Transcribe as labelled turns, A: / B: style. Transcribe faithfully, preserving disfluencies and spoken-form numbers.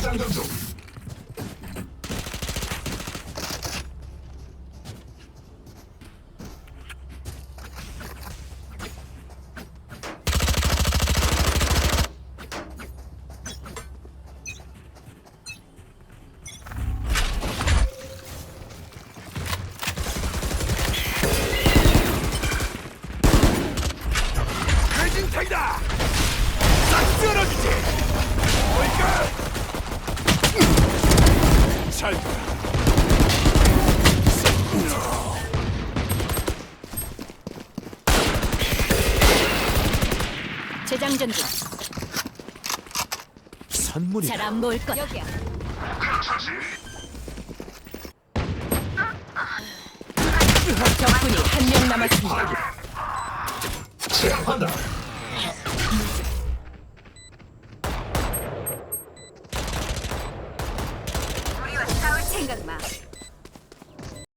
A: 재장전 중.
B: 배진탕이다! 싹 쓸어주지! 뭘까? 잘 봐.
C: 재장전 중.
B: 선물이
C: 잘 안 보일 거야. 여기야. 적군이 한 명 남았습니다.
A: 제압한다.
C: 생각 마.